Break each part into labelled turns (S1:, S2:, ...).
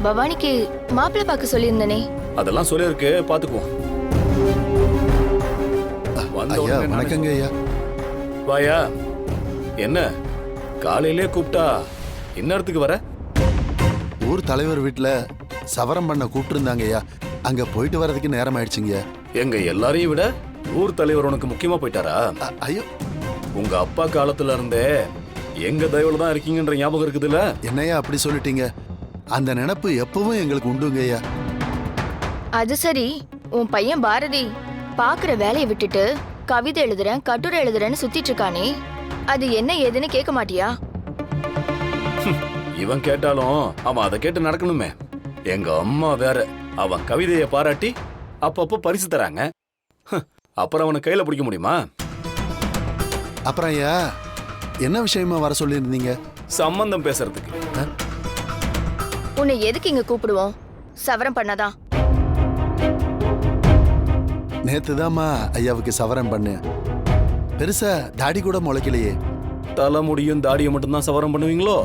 S1: பவானிக்கு மாப்பிள்ளை பார்க்க சொல்லியிருந்தனே.
S2: அதெல்லாம் சொல்லியிருக்கு, பாத்துக்குவோம்.
S3: ஐயா வணக்கங்க ஐயா.
S2: வாயா. என்ன காலையிலே கூப்பிட்டா இந்நேரத்துக்கு வர?
S3: ஊர் தலைவர் வீட்டுல சவரம் பண்ண கூப்பிட்டுருந்தாங்க ஐயா. அங்க போயிட்டு வர்றதுக்கு நேரம் ஆயிடுச்சுங்க.
S2: எங்க எல்லாரையும் விட ஊர் தலைவர் உனக்கு முக்கியமா போயிட்டாரா?
S3: ஐயோ,
S2: உங்க அப்பா காலத்துல இருந்தே எங்க தயவுல தான் இருக்கீங்கன்ற ஞாபகம் இருக்குதுல்ல?
S3: என்னையா அப்படி சொல்லிட்டீங்க? அந்த நினைப்பு எப்பவும் எங்களுக்கு உண்டுங்க ஐயா.
S1: அது சரி, உன் பையன் பாரதி பாக்குற வேலையை விட்டுட்டு கவிதை எழுதுறேன் கட்டுரை எழுதுறேன்னு சுத்திட்டு இருக்கானே, அது என்ன ஏதுன்னு கேட்க மாட்டியா?
S2: இவன் கேட்டாலும் அவன் அதை கேட்டு நடக்கணுமே. எங்க அம்மா வேற, அவன் கவிதையை பாராட்டி அப்பப்போ பரிசு தராங்க. அப்புறம் அவனை கையில பிடிக்க முடியுமா?
S3: அப்புறம் ஐயா என்ன விஷயமா வர சொல்லியிருந்தீங்க?
S2: சம்பந்தம் பேசுறதுக்கு.
S1: உன்னை எதுக்கு இங்க கூப்பிடுவோம்? சவரம் பண்ணாதான்.
S3: நேத்துதாம்மா ஐயாவுக்கு சவரம் பண்ணு. பெருசா தாடி கூட முளைக்கலையே.
S2: தலைமுடியும் தாடியை மட்டும்தான் சவரம் பண்ணுவீங்களோ?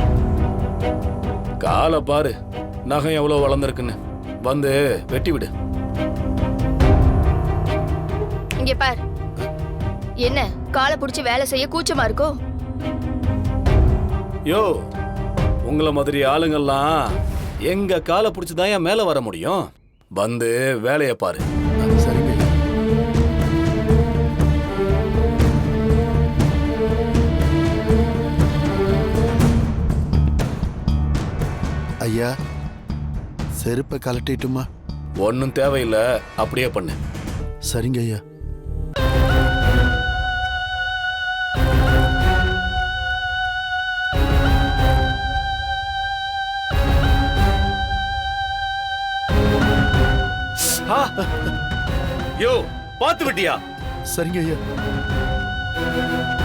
S2: காலை பாரு, நகம் எவ்வளவு வளர்ந்துருக்குன்னு. வந்து வெட்டி விடு.
S1: இங்க பார், என்ன காலை புடிச்சு வேலை செய்ய கூச்சமா இருக்கோ?
S2: யோ, உங்களை மாதிரி ஆளுங்கெல்லாம் எங்க காலை புடிச்சுதான் ஏன் மேல வர முடியும்? வந்து வேலையை பாரு.
S3: சரிங்க ஐயா. செருப்பை கலட்டிட்டுமா?
S2: ஒன்னும் தேவையில்லை, அப்படியே பண்ணு.
S3: சரிங்க ஐயா.
S2: யோ, பாத்து விட்டியா?
S3: சரிங்க ஐயா.